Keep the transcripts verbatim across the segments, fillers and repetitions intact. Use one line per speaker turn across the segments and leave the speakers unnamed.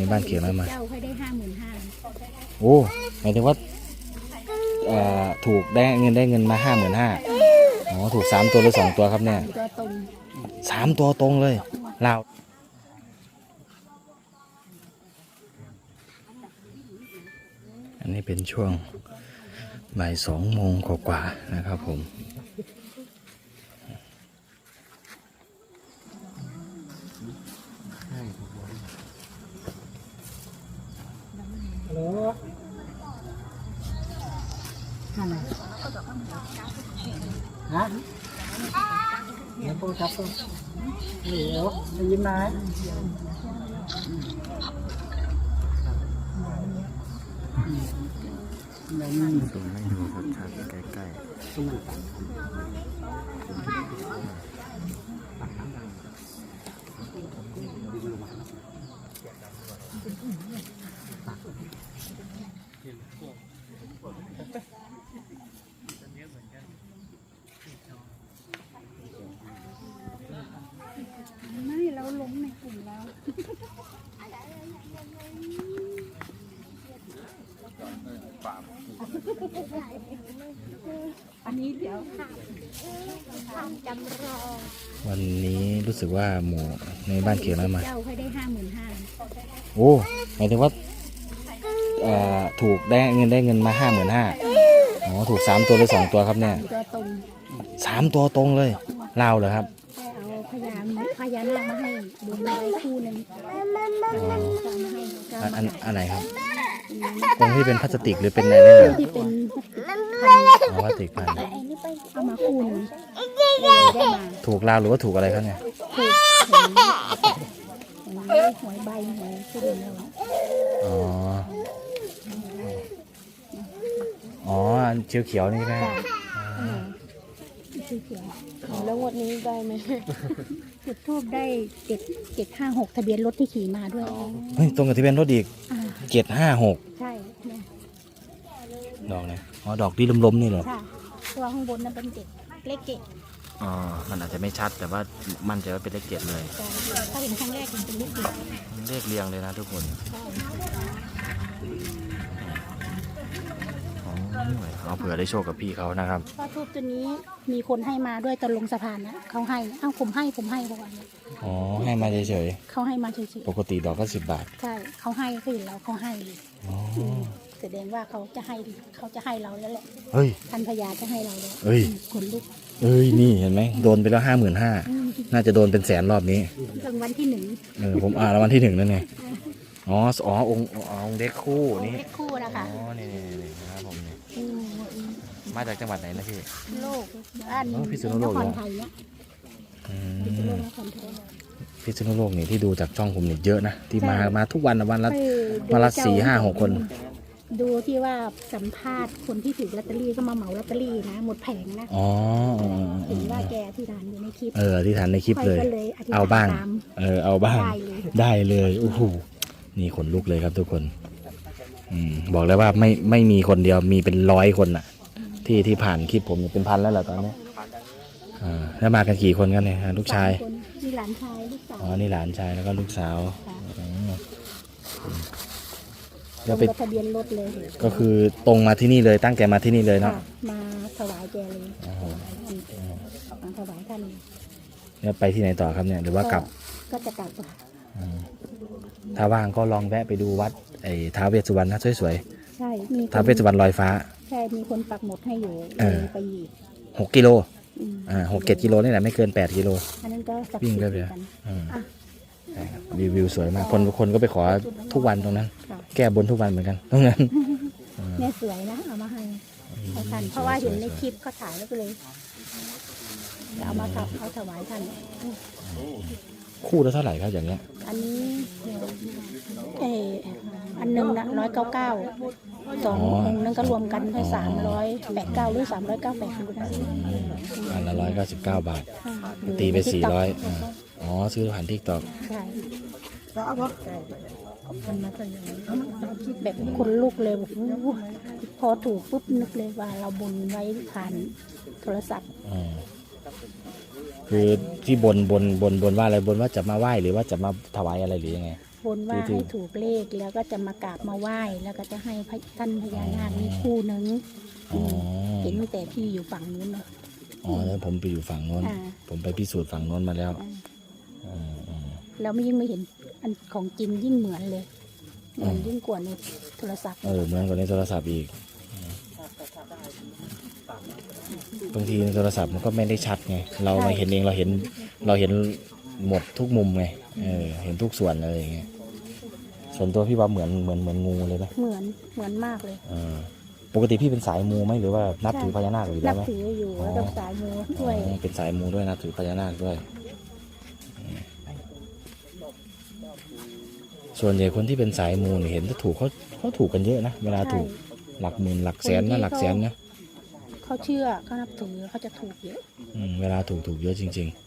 บ้านเขียนอะไรมา
เจ้าให้ได้ห้าหมื่นห้า
โอ้หมายถึงว่าถูกได้เงินได้เงินมาห้าหมื่นห้าอ๋อถูกสามตัวหรือสองตัวครับเนี่ย
ตัวตรง
สามตัวตรงเลยลาวอันนี้เป็นช่วงบ่ายสองโมงกว่าๆนะครับผม
ฮัลโหลนั่นแหละฮะเดี๋ยวโทรศัพท์ตัวเดี๋ยวได้ยินไหมได้ยินส่งให้ดูชัดๆใกล้
ไม่เราลงในกลุ่มแล้วอันนี้เดี๋ยวจำรอ
วันนี้รู้สึกว่าหมูในบ้านเขียนอะไรมา
เจ้าให้ได้ห้าหมื่นห้า
โอ้หมายถึงว่าถูกได้เงินได้เงินมาห้าหมื่นห้าอ๋อถูกสามตัวหรือสองตัวครับเนี่ย
ตัวตรง
สามตัวตรงเลยลาวเหรอครับ
เอาพญาพญานาคมาให้ดูไว้คู่หนึ่ง
อันอันอันไหนครับตรงที่เป็นพลาสติกหรือเป็นอะไรนั่นเหรอ
ที่เป็น
พลาสติกพัน
เอามาคู่หนึ่ง
ถูกลาวหรือว่าถูกอะไรครับเนี่ย
ถูกหวยใบหวยที่เดินแล้ว
อ๋ออ๋อเขียวเขียวนี่นะ
เขียวแล้วงวดนี้ได้ไหมจุดทูบได้เจ็ดเจ็ดห้าหกทะเบียนรถที่ขี่มาด้วย
เฮ้ยตรงกับทะเบียนรถอีกเจ็ดห้าหก
ใช่
ดอกเนี่ยอ๋อดอกที่ล้มๆนี่เหรอ
ใช่ตัวข้างบนนั้นเป็นเจ็ดเลขเจ็ด
อ๋อมันอาจจะไม่ชัดแต่ว่ามั่นใจว่าเป็นเลขเจ็ดเลย
ถ้าเห็นครั้งแรกเป็นเลขเจ็ด
เลขเรียงเลยนะทุกคนเอาเผื่อได้โชคกับพี่เขานะครับ
เพราะทูบตัวนี้มีคนให้มาด้วยตอนลงสะพานนะเขาให้เอ้าผมให้ผมให้ประมาณนี้
อ๋อให้มาเฉย
ๆเขาให้มาเฉย
ๆปกติดอกก็สิบบาท
ใช่เขาให้เขาเห็นเราเขาให้เลยอ๋อแสดงว่าเขาจะให้เขาจะให้เราแล้วแหละ
เฮ้ย
ท่านพญาจะให้เราแล้ว
เฮ้ย
ขนลุก
เอ้ยนี่เห็นไหมโดนไปแล้วห้าหมื่นห้าน่าจะโดนเป็นแสนรอบนี้
รางวัลที่หนึ่ง
เออผมอ่านรางวัลที่หนึ่งนั่นไงอ๋ออ๋อองค์องค์เด็กคู่นี่
เด็กคู่นะคะ
อ๋อนี่นี่นี่นะครับผมนี่มาจากจังหวัดไหนนะพี่
โลกอัน
พิษณุโลก
คนไทยเนี่ย
พิษณุโลกนี่ที่ดูจากช่องผมนี่เยอะนะที่มามาทุกวันวันละวันละสี่ห้าหกคน
ดูที่ว่าสัมภาษณ์คนที่ถือลอตเตอรี่ก็มาเหมาลอตเตอรี่นะหมดแผงนะ
อ๋อ
เห็นว่าแกที่ฐานอยู่ในคลิป
เออที่ฐานในคลิปเลยเอาบ้างเออเอาบ้างได้เลยโอ้โหนี่ขนลุกเลยครับทุกคนอืมบอกเลยว่าไม่ไม่มีคนเดียวมีเป็นร้อยคนน่ะที่ที่ผ่านคลิปผมเป็นพันแล้วแหละตอนนี้อ่าแล้วมากันกี่คนกันเนี่ยลูกชาย
นี่หลานชายลูกสาว
อ๋อนี่หลานชายแล้วก็ลูกสาว
แล้วเป็นทะเบียนรถเลย
ก็คือตรงมาที่นี่เลยตั้งใจมาที่นี่เลยเนาะ
มาถวายแกเลยมาถวายท่าน
แล้วไปที่ไหนต่อครับเนี่ยหรือว่ากลับ
ก็จะกลับ
ถ้าว่างก็ลองแวะไปดูวัดไอ้ท้าวเวสสุวรรณนะสวย
ๆใช่มี
ท้าวเวสสุวรรณลอยฟ้า
ใช่มีคนปักหมุดให้อยู่ไปอีก
หกกิโลอ่าหกเจ็ดกิโลนี่แหละไม่เกินแปดกิโล
อันนั้นก็
วิ่งได้เลยวิวสวยมากคนคนก็ไปขอทุกวันตรงนั้นแก้บนทุกวันเหมือนกันตรงนั้น
เนี่ยสวยนะเอามาให้ท่านเพราะว่าเห็นในคลิปก็ถ่ายแล้วก็เลยเอามาขับเขาถวายท่าน
คู่ละเท่าไหร่ครับอย่างเงี้ย
อันนี้เอออันหนึ่งนะร้อยเก้าเก้าสององค์นั้นก็รวมกันได้สามร้อยแปดเก้าหรือสามร้อยเก้าแปดคุณนะ
อันละร้อยเก้าสิบเก้าบาทตีไปสี่ร้อยอ๋อซื้อผ่านทิกตอก
ใช่แบบคนลุกเลยพอถูกปุ๊บนึกเลยว่าเราบนไว้ผ่านโทรศัพท์
คือที่บนบนบนบนว่าอะไรบนว่าจะมาไหว้หรือว่าจะมาถวายอะไรหรือยังไง
บนว่าให้ถูกเลขแล้วก็จะมากราบมาไหว้แล้วก็จะให้พระท่านพญานาคนี่คู่หนึง
อ๋อ
เห็นตั้งแต่พี่อยู่ฝั่งนู้นเลย
อ๋อแล้วผมไปอยู่ฝั่งโน้น
อ่า
ผมไปพิสูจน์ฝั่งโน้นมาแล้ว
อ่า
อืมอืม
แล้วไม่ยิ่งไม่เห็นอันของจริงยิ่งเหมือนเลยเหมือนยิ่งกว่าในโทรศัพท์
เออเหมือนกับในโทรศัพท์อีกบางทีในโทรศัพท์มันก็ไม่ได้ชัดไงเรามาเห็นเองเราเห็นเราเห็นหมดทุกมุมไงเออเห็นทุกส่วนอะไรอย่างเงี้ยส่วนตัวพี่ว่าเหมือนเหมือนเหมือนงูเลยไหม
เหมือนเหมือนมากเลย
เออปกติพี่เป็นสายมูไหมหรือว่านับถือพญานาคอยู่แล้
นั
ว
บ
ไหม
ถืออยู่
อ๋อ
แล้วก็สายมูด้วย
อ๋อเป็นสายมูด้วยนับถือพญานาคด้วยอืมส่วนใหญ่คนที่เป็นสายมูเนี่ยเห็นจะถูกเขาเขาถูกกันเยอะนะเวลาถูกหลักหมื่นหลักแสนนะหลักแสนนะ
เขาเชื่อเขานับถือเขาจะถูกเยอะ
อืมเวลาถูกถูกเยอะจริง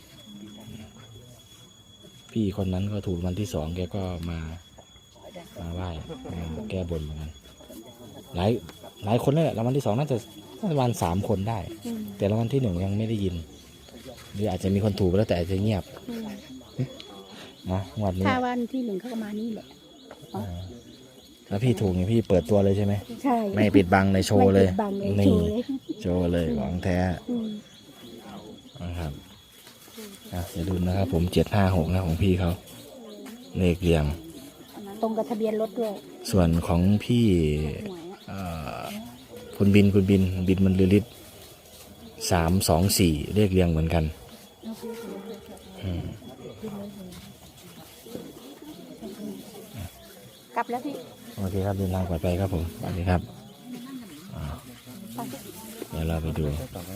ๆ พี่คนนั้นก็ถูกวันที่สองแกก็มามาไหว้มาแก้บนเหมือนกันหลายหลายคนเลยแหละรางวัลที่สองน่าจะประมาณสามคนได้
อืม
แต่รางวัลที่หนึ่งยังไม่ได้ยินหรืออาจจะมีคนถูกแล้วแต่อาจจะเงียบ
อืม
นะงวันนี้
ถ้าวันที่หนึ่งเขาก็มานี่แหละ
อ่าแล้วพี่ถูกเนี่ยพี่เปิดตัวเลยใช่ไหม
ใช่
ไม่ปิดบังในโชว์เลย
ไม่ปิดบังเลย
นี่
โชว์เลย
โชว์เลยของแท้
อืม
นะครับอ่ะอย่าลืมนะครับผมเจ็ดห้าหกนะของพี่เขาเลขเรียง
ตรงกับทะเบียนรถด้วย
ส่วนของพี่
หวยอะ
เอ่อคุณบินคุณบินบินมันลือฤทธิ์สามสองสี่เลขเรียงเหมือนกันอืม
กลับแล้วพี่
โอเคครับเดินทางปลอดภัยครับผมสวัสดีครับอ่าเดี๋ยวเราไปดู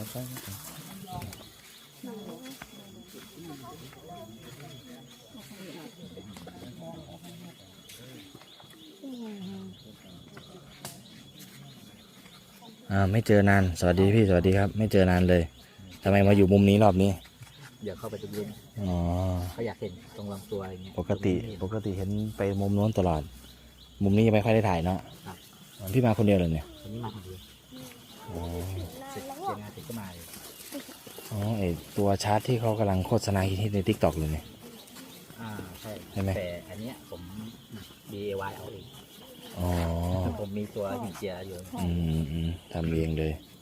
อ่าไม่เจอนานสวัสดีพี่สวัสดีครับ ไม่เจอนานเลยทำไมมาอยู่มุมนี้รอบนี้
เดี๋ยวเข้าไปตรงนี้
อ๋อ
เขาอยากเห็นตรงลำตัวอะไรเงี้ย
ปกติปกติเห็นไปมุมโน้นตลอด มุมนี้ยังไม่ค่อยได้ถ่ายเนาะพี่มาคนเดียวเลยเนี่ย
วันนี้มาคนเดียว
อ๋อ
เสร็จเสร็จงานเสร็จก็มาเลย
อ๋อไอตัวชาร์จที่เขากำลังโฆษณาฮิตในทิกตอกเลยเนี่ย
อ่าใช่
ใช่ไหม
แต่อันเนี้ยผม ดี ไอ วาย เอาเอง
อ๋อ
ผมมีตัวหินเจียอยู่
อืมอืมทำเองเลย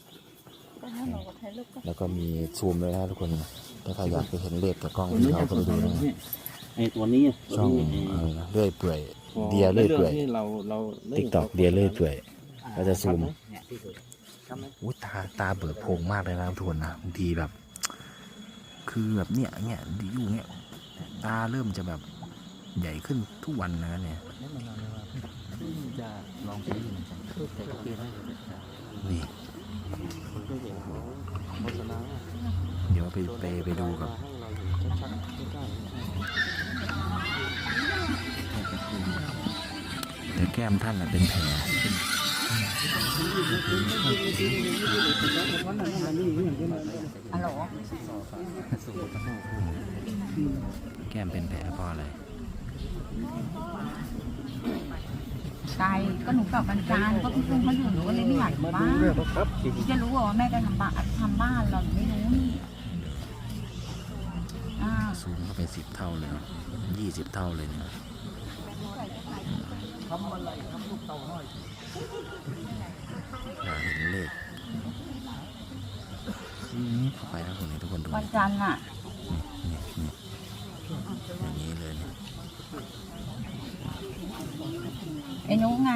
แล้วก็มีซูมเลยนะทุกคนถ้าใครอยากไปเห็นเลขกับกล้องที่เขาก็ไปดูนะ
ไอ้ตัวนี้ะ
ช่อง
ตัวนี้
อะไรนะเลื่อยเปื่อย เดียเลื่อยเปื่อย
ที่เราเรา
ทิกตอกเดียเลื่อยเปื่อยก็จะซูม
เนี่ยที่สุดครับ
อุ้ยตาตาเบิกโพรงมากเลยนะทุกคนนะบางทีแบบ คือแบบเนี้ยเนี้ยดีอยู่เนี้ยตาเริ่มจะแบบใหญ่ขึ้นทุกวันนะเนี่ย
จะลองไปดูเหมือนกันแต่ก็คือให้
นี่
คนก็เห็นเขาโฆษณา
เดี๋ยวไปไปไปดูกับ
ให้เราเห็นชัดๆใกล้
แต่แก้มท่านน่ะเป็นแผลแก้มเป็นแผลเพราะอะไร
ไกลก็หนูกลับวันจันทร์ก็พี่พึ่งเขาอยู่หนูก็เลยไม่อยากอยู่บ้านพี่จะรู้เหรอว่าแม่จะทำบ้านทำบ้านเราหนูไม่รู้นี่อ่า
ซูมเข้าไปสิบเท่าเลยเนาะยี่สิบเท่าเลยเนี่ยอ่าเห็นเลขอืมเข้าไปแล้วคนนี้ทุกคนดู
วันจันทร์อ่ะ
นี่นี่อย่างนี้เลยเนี่ย
ไอ้นุ๊กไง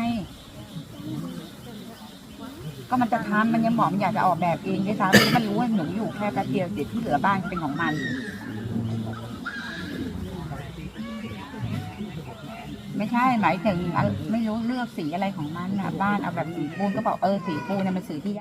ก็มันจะทำมันยังบอกมันอยากจะออกแบบเองด้วยซ้ำมันรู้ว่าหนูอยู่แค่แป๊บเดียวเดี๋ยวที่เหลือบ้านเป็นของมัน ไม่ใช่หมายถึงอ่ะไม่รู้เลือกสีอะไรของมันอ่ะบ้านเอาแบบสีปูนก็บอกเออสีปูนเนี่ยมันสีที่